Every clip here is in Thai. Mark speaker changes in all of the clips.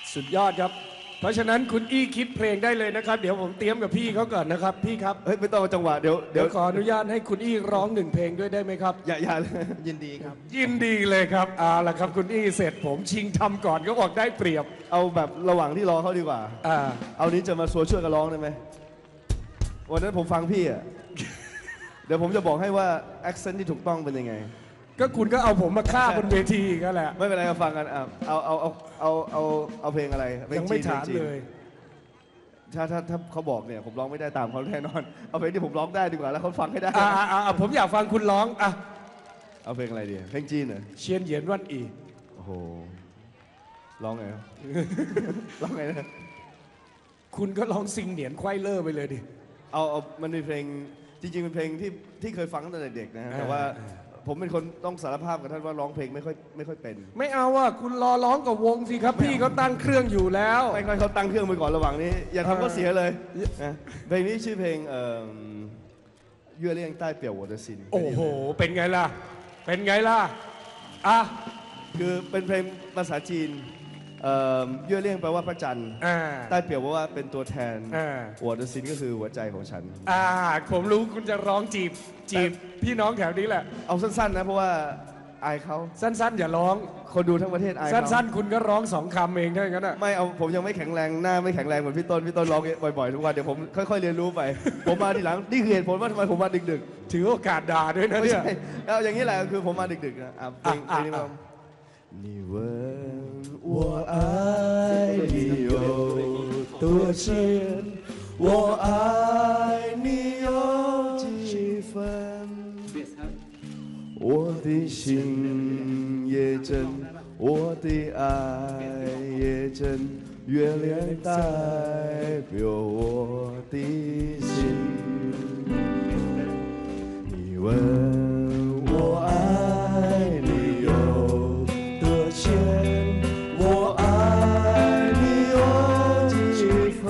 Speaker 1: สุดยอดครับเพราะฉะนั้นคุณอี้คิดเพลงได้เลยนะครับเดี๋ยวผมเตรียมกับพี่เขาก่อนนะครับพี่ครับ
Speaker 2: เฮ้ยไม่ต้องเอาจังหวะเดี๋ยว
Speaker 1: ขออนุญาตให้คุณอี้ร้องหนึ่งเพลงด้วยได้ไหมครับ
Speaker 2: อย่าเลย
Speaker 3: ยินดีครับ
Speaker 1: ยินดีเลยครับเอาละครับคุณอี้เสร็จผมชิงทำก่อนก็บอกได้เปรียบ
Speaker 2: เอาแบบระหว่างที่รอเขาดีกว่า
Speaker 1: อ่า
Speaker 2: เอานี้จะมาช่วยกันร้องได้ไหมวันนั้นผมฟังพี่อ่ะ เดี๋ยวผมจะบอกให้ว่า accent ที่ถูกต้องเป็นยังไง
Speaker 1: ก็คุณก็เอาผมมาฆ่าบนเวทีก็แหละ
Speaker 2: ไม่เป็นไรมาฟังกันอ่ะเอาเพลงอะไรเพล
Speaker 1: ยังไม่
Speaker 2: จีน
Speaker 1: ถาม
Speaker 2: พงจีน
Speaker 1: เลย
Speaker 2: ถ้าเขาบอกเนี่ยผมร้องไม่ได้ตามเขาแน่นอน เอาเพลงที่ผมร้องได้ดีกว่าแล้วเขาฟังให้ได้
Speaker 1: ผมอยากฟังคุณร้องอ่ะ
Speaker 2: เอาเพลงอะไรดีเพลงจีนเหรอ
Speaker 1: เชียนเหยียนวันอี
Speaker 2: โอ้โหร้องไง ครับ ร้องไงนะ
Speaker 1: คุณก็ร้องซิงเหนียนไขว้เลอร์ไปเลยดิ
Speaker 2: เอามันเป็นเพลงจริงๆเป็นเพลงที่เคยฟังตั้งแต่เด็กนะฮะแต่ว่าผมเป็นคนต้องสารภาพกับท่านว่าร้องเพลงไม่ค่อยเป็น
Speaker 1: ไม่เอาอ่ะคุณรอร้องกับวงสิครับพี่เขาตั้งเครื่องอยู่แล้ว
Speaker 2: ไม่ค่อยเขาตั้งเครื่องไปก่อนระหว่างนี้ อย่าทำก็เสียเลยนะเพลงนี้ชื่อเพลงเยื่อเลี่ยงใต้เปี่ยวหัวเดซิน
Speaker 1: โอ้โหเป็นไงล่ะเป็นไงล่ะอ่ะ
Speaker 2: คือเป็นเพลงภาษาจีนเยื่อเลี่ยงแปลว่าพระจันทร์
Speaker 1: อ่า
Speaker 2: ใต้เปี่ยวแปลว่าเป็นตัวแทน
Speaker 1: อ่า
Speaker 2: หัวเดซินก็คือหัวใจของฉัน
Speaker 1: ผมรู้คุณจะร้องจีบพี่น้องแถวนี้แหละ
Speaker 2: เอาสั้นๆนะเพราะว่าอายเขา
Speaker 1: สั้นๆอย่าร้อง
Speaker 2: คนดูทั้งประเทศอายเขา
Speaker 1: สั้นๆคุณก็ร้องสองคำเองเท่านั้นอ่ะ
Speaker 2: ไม่เอาผมยังไม่แข็งแรงหน้าไม่แข็งแรงเหมือนพี่ต้นร้องบ่อยๆทุกวันเดี๋ยวผมค่อยๆเรียนรู้ไป ผมมาทีหลังนี่คือเหตุผลว่าทำไมผมมาดึก
Speaker 1: ถือโอกาสด่าด้วย
Speaker 2: ๆ
Speaker 1: นะ
Speaker 2: ไม่
Speaker 1: เนี่ย
Speaker 2: ใช่เอาอย่างนี้แหละคือผมมาดึกๆนะเพลงนี้มา你问我爱你有多深，我爱你有几分，我的心也真，我的爱也真，月亮代表我的心。你问我爱你有多深，我爱你有几分，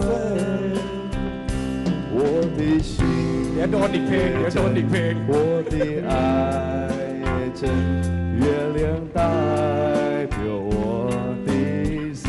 Speaker 2: 我的心。
Speaker 1: เดี๋ยวโดนอีกเพลงเดี๋ยวโดนอีกเพลง
Speaker 2: 我的爱也真，月亮代表我的心。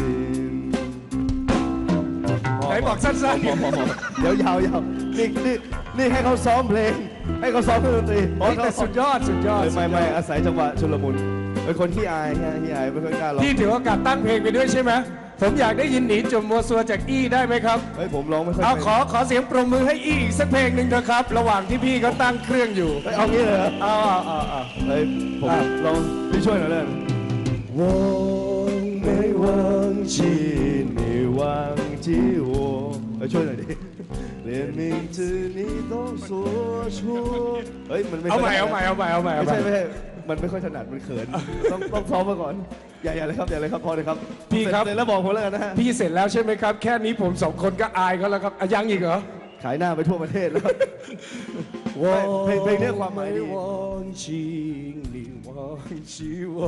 Speaker 1: ไหนบอกสั้น
Speaker 2: เดี๋ยวยาวนี่ให้เขาซ้อมเพลง ให้เขาซ้อมเครื่องดนตรี
Speaker 1: ๆแต่สุดยอด
Speaker 2: ไม่อาศัยจังหวะชุลมุนเป็นคนขี้อายไม่ค่อยกล้าร้อง
Speaker 1: พี่ถือโอกาสตั้งเพลงไปด้วยใช่ไหมผมอยากได้ยินหนีจมมัวซัวจากอี้ได้ไหมครับ
Speaker 2: เฮ้ยผมร้องไม่ค่อย
Speaker 1: เอา
Speaker 2: เป็น
Speaker 1: ขอเสียงปรบมือให้อี้อีกสักเพลงหนึ่งเถอะครับ ระหว่างที่พี่เขาตั้งเครื่องอยู่
Speaker 2: เฮ้ยเอางี้เลยเหรอ
Speaker 1: เอา
Speaker 2: เฮ้ยผมลองพี่ช่วยหน่อยเลย我没忘记你忘记我ช่วยหน่อยดิ连名字你都说出เฮ้ยมันไม่
Speaker 1: เอาใหม่
Speaker 2: ไม่ใช่มันไม่ค่อยถนัดมันเขินต้องซ้อมมาก่อนอย่าเลยครับพอเลยครับ
Speaker 1: พี่ครับ
Speaker 2: เสร็จแล้วบอกผมแล้วกันนะฮะ
Speaker 1: พี่เสร็จแล้วใช่ไหมครับ แค่นี้ผมสองคนก็อายเขาแล้วครับยังอีกเหรอ
Speaker 2: ขายหน้าไปทั่วประเทศแล้วเพลงนี้ความหมายดี
Speaker 1: 忘记你忘记我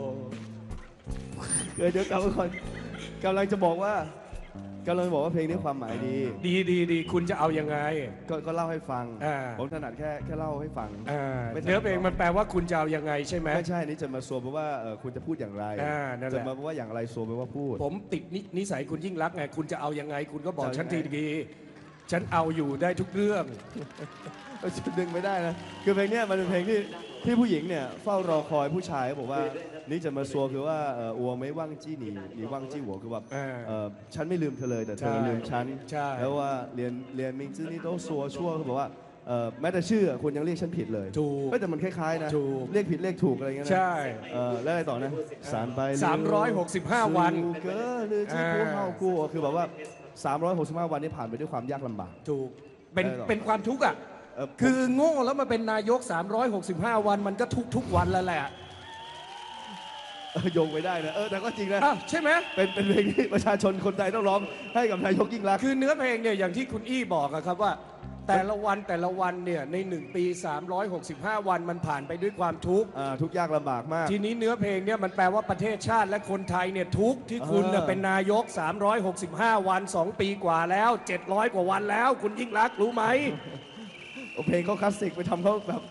Speaker 2: เดี๋ยวกลับมาก่อนกำลังจะบอกว่ากำลังบอกว่าเพลงนี้ความหมายดี
Speaker 1: ดีคุณจะเอายังไง
Speaker 2: ก็เล่าให้ฟัง
Speaker 1: อ่า
Speaker 2: ผมถนัดแค่เล่าให้ฟัง ไม่ถนัด
Speaker 1: เนื้อเพลงมันแปลว่าคุณจะเอายังไงใช่ไหม
Speaker 2: ไม่ใช่นี่จะมาโซแปลว่าคุณจะพูดอย่างไร
Speaker 1: นั่นแหละ
Speaker 2: จะมาว่าอย่างไรโซแปลว่าพูด
Speaker 1: ผมติดนิสัยคุณยิ่งรักษณ์ไงคุณจะเอายังไง คุณก็บอก
Speaker 2: จะเอา
Speaker 1: ฉัน
Speaker 2: ยังไง
Speaker 1: ทีดีฉันเอาอยู่ได้ทุกเรื่อง
Speaker 2: จะดึงไม่ได้นะคือเพลงเนี้ยมันเป็นเพลงที่ผู้หญิงเนี่ยเฝ้ารอคอยผู้ชายเขาบอกว่านี่จะมาซัวคือว่าอัวไม่ว่างจี้หนีว่างจี้หัวคือแบบฉันไม่ลืมเธอเลยแต่เธอลืมฉัน
Speaker 1: ใช่
Speaker 2: แล้วว่าเรียนมิงจื้อนี่ต้องซัวชั่วคือบอกว่าแม้แต่ชื่อคุณยังเรียกฉันผิดเลย
Speaker 1: ถูก
Speaker 2: แต่มันคล้ายๆนะ
Speaker 1: ถูก
Speaker 2: เรียกผิดเรียกถูกอะไรเงี้ยนะ
Speaker 1: ใช่
Speaker 2: แล้วอะไรต่อนะสารไป
Speaker 1: 365 วัน
Speaker 2: เกิดหรือที่กูเฮากูคือแบบว่า365 วันนี้ผ่านไปด้วยความยากลำบาก
Speaker 1: ถูกเป็น
Speaker 2: ได้หรอ
Speaker 1: เป็นความทุกข์อ่ะ คือโง่แล้วมาเป็นนายก 365 วันมันก็ทุกวันแล้วแหละ
Speaker 2: โยงไปได้นะแต่ก็จริงนะ
Speaker 1: อ้าวใช่ไหม
Speaker 2: เป็นเพลงที่ประชาชนคนไทยต้องร้องให้กับนายกยิ่งรักษณ์
Speaker 1: คือเนื้อเพลงเนี่ยอย่างที่คุณอี้บอกอะครับว่า แต่ละวันเนี่ยใน1 ปี 365 วันมันผ่านไปด้วยความทุกข์
Speaker 2: ทุกข์ยากลำบากมาก
Speaker 1: ทีนี้เนื้อเพลงเนี่ยมันแปลว่าประเทศชาติและคนไทยเนี่ยทุกข์ที่คุณเนี่ยเป็นนายก 365 วัน 2 ปีกว่าแล้ว 700 กว่าวันแล้ว คุณยิ่งรักษณ์รู้ไหม
Speaker 2: เพลงเขาคลาสสิกไปทำเขาแบบ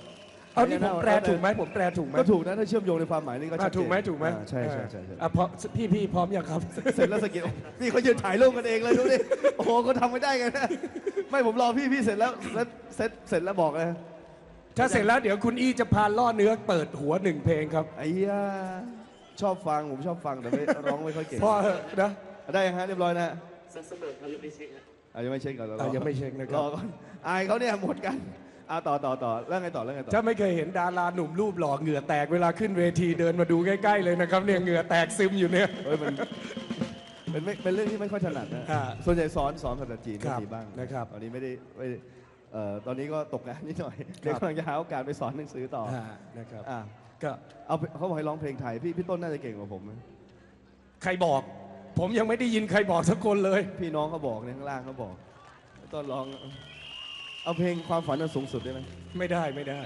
Speaker 1: เอานี่ผมแปลถูกไหมผมแปลถูกไหม
Speaker 2: ก็ถูกนะถ้าเชื่อมโยงในความหมายนี่ก็ชัดเจน
Speaker 1: ถูกไหมถูกไหม
Speaker 2: ใช่ใช่ใช่ใช่
Speaker 1: พอพี่พร้อมยังครับ
Speaker 2: เสร็จแล้วสกิลนี่เขายืนถ่ายรูปกันเองเลยดูดิโอ้โหเขาทำไม่ได้ไงนะไม่ผมรอพี่เสร็จแล้วเสร็จแล้วบอกเลย
Speaker 1: ถ้าเสร็จแล้วเดี๋ยวคุณอี้จะพาล่อเนื้อเปิดหัวหนึ่งเพลงครับ
Speaker 2: ไอ้ย่าชอบฟังผมชอบฟังแต่ไม่ร้องไม่ค่อยเก่ง
Speaker 1: พอนะ
Speaker 2: ได้ยังฮะเรียบร้อยนะ
Speaker 3: เสมอเขายังไม่เช็คฮะ
Speaker 2: ยังไม่เช็คก่อน
Speaker 1: ยังไม่เช็คนะค
Speaker 2: ร
Speaker 1: รับ
Speaker 2: อก่อนอายเขาเนี่ยหมดกันต่อแล้วไงต่อ
Speaker 1: ถ้าไม่เคยเห็นดาราหนุ่มรูปหล่อเหงื่อแตกเวลาขึ้นเวทีเดินมาดูใกล้ๆเลยนะครับเนี่ยเหงื่อแตกซึมอยู่เนี่ย
Speaker 2: เฮ้ยมันเป็นเรื่องที่ไม่ค่อยถนัดนะ
Speaker 1: อ่า
Speaker 2: ส่วนใหญ่สอนภาษาจีน
Speaker 1: ครับ
Speaker 2: ก็มีบ้าง
Speaker 1: นะครับ
Speaker 2: ตอนนี้ไม่ได้ตอนนี้ก็ตกงานนิดหน่อยเดี๋ยวกำลังจะหาโอกาสไปสอนหนังสือต่อ
Speaker 1: นะครับ
Speaker 2: อ่ะ
Speaker 1: ก็
Speaker 2: เขาบอกให้ร้องเพลงไทยพี่ต้นน่าจะเก่งกว่าผมนะ
Speaker 1: ใครบอก ผมยังไม่ได้ยินใครบอกสักคนเลย
Speaker 2: พี่น้องเขาบอกในข้างล่างเขาบอกต้นร้องเอาเพลงความฝันอันสูงสุดได้ไหม
Speaker 1: ไม่ได้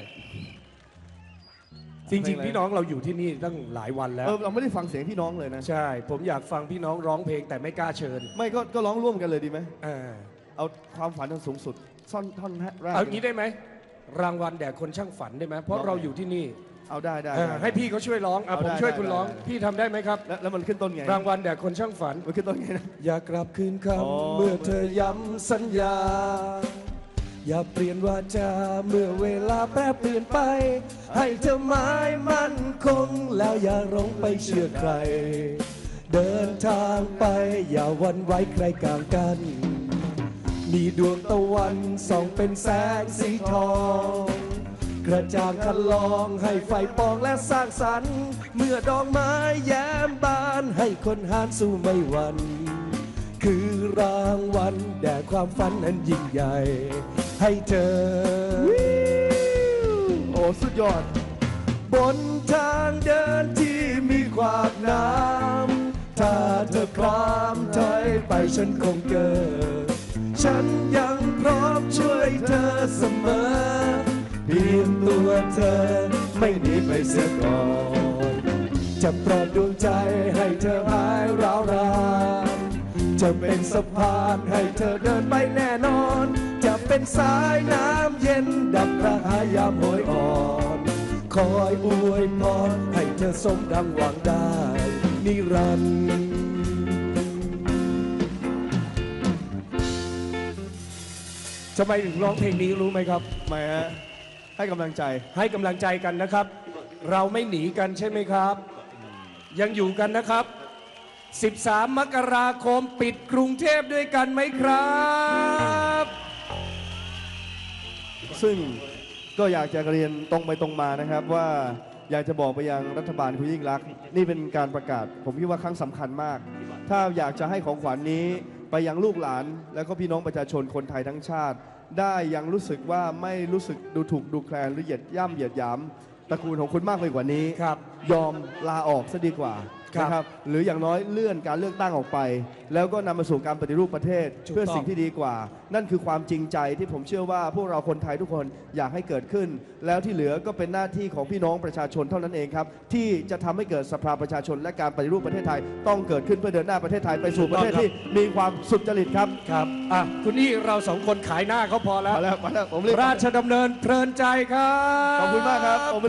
Speaker 1: จริงๆ พี่น้องเราอยู่ที่นี่ตั้งหลายวันแล้ว
Speaker 2: เราไม่ได้ฟังเสียงพี่น้องเลยนะ
Speaker 1: ใช่ ผมอยากฟังพี่น้องร้องเพลงแต่ไม่กล้าเชิญ
Speaker 2: ไม่ก็ร้องร่วมกันเลยดีไหม
Speaker 1: อ่า
Speaker 2: เอาความฝันอันสูงสุดท่อนแรก
Speaker 1: เอางี้ได้ไหมรางวัลแด่คนช่างฝันได้ไหมเพราะเราอยู่ที่นี่
Speaker 2: เอาได้
Speaker 1: ให้พี่เขาช่วยร้อง
Speaker 2: เอา
Speaker 1: ผม
Speaker 2: ได้
Speaker 1: ช่วย
Speaker 2: ได้
Speaker 1: คุณร้อง
Speaker 2: ได้
Speaker 1: พี่ทำได้ไหมครับ
Speaker 2: แล้วมันขึ้นต้นไง
Speaker 1: รางวัลแด่คนช่างฝัน
Speaker 2: มันขึ้นต้นไงนะ
Speaker 1: อยากกลับคืนค
Speaker 2: อ๋อ
Speaker 1: ำเมื่อเธอย้ำสัญญา อย่าเปลี่ยนวาจาเมื่อเวลาแปรเปลี่ยนไป ให้เธอหมายมั่นคง แล้วอย่าหลงไปเชื่อใคร เดินทางไปอย่าหวันไหวใครกลางกัน มีดวงตะวันส่องเป็นแสงสีทอง กระจ่างคันลองให้ไฟปองและสร้างสรรค์ เมื่อดอกไม้แย้มบานให้คนหานสู้ไม่หวั่นคือรางวัลแด่ความฝันอันยิ่งใหญ่ ให้เธอ
Speaker 2: โอ้สุดยอด
Speaker 1: บนทางเดินที่มีขวากน้ำถ้าเธอพร้อมถอยไปฉันคงเกิดฉันยังพร้อมช่วยเธอเสมอ เพียงตัวเธอไม่หนีไปเสียก่อน จะปลอบดวงใจให้เธอหายร้าวรานจะเป็นสะพานให้เธอเดินไปแน่นอน จะเป็นสายน้ำเย็นดับกระหายยามโหยอ่อน คอยอวยพรให้เธอสมดังหวังได้นิรันดร์ทำไมถึงร้องเพลงนี้รู้ไหมครับ
Speaker 2: ไม่ฮะให้กำลังใจ
Speaker 1: ให้กำลังใจกันนะครับ เราไม่หนีกันใช่ไหมครับ ยังอยู่กันนะครับ 13 มกราคมปิดกรุงเทพด้วยกันไหมครับ
Speaker 2: ซึ่งก็อยากจะเรียนตรงไปตรงมานะครับว่าอยากจะบอกไปยังรัฐบาลคุณยิ่งรักษณ์นี่เป็นการประกาศ ผมคิดว่าครั้งสำคัญมาก ถ้าอยากจะให้ของขวัญนี้ไปยังลูกหลาน แล้วก็พี่น้องประชาชนคนไทยทั้งชาติ ได้ยังรู้สึกว่าไม่รู้สึกดูถูกดูแคลนหรือเหยียดย่ำเหยียดหยามตระกูลของคุณมากไปกว่านี้
Speaker 1: ครับ
Speaker 2: ยอมลาออกซะดีกว่า
Speaker 1: ครับ
Speaker 2: นะครับหรืออย่างน้อยเลื่อนการเลือกตั้งออกไป แล้วก็นำมาสู่การปฏิรูปประเทศ
Speaker 1: ถูกต้อง
Speaker 2: เพื่อสิ่งที่ดีกว่า นั่นคือความจริงใจที่ผมเชื่อว่าพวกเราคนไทยทุกคนอยากให้เกิดขึ้น แล้วที่เหลือก็เป็นหน้าที่ของพี่น้องประชาชนเท่านั้นเองครับที่จะทำให้เกิดสภาประชาชนและการปฏิรูปประเทศไทยต้องเกิดขึ้นเพื่อเดินหน้าประเทศไทยไปสู่ประเทศที่มีความสุจริตครับ
Speaker 1: ครับคุณนี่เราสองคนขายหน้าเขาพอแล้ว
Speaker 2: มาแล้วผมรีบ
Speaker 1: ราชดำเนินเพลินใจครับ
Speaker 2: ขอบคุณมากครับ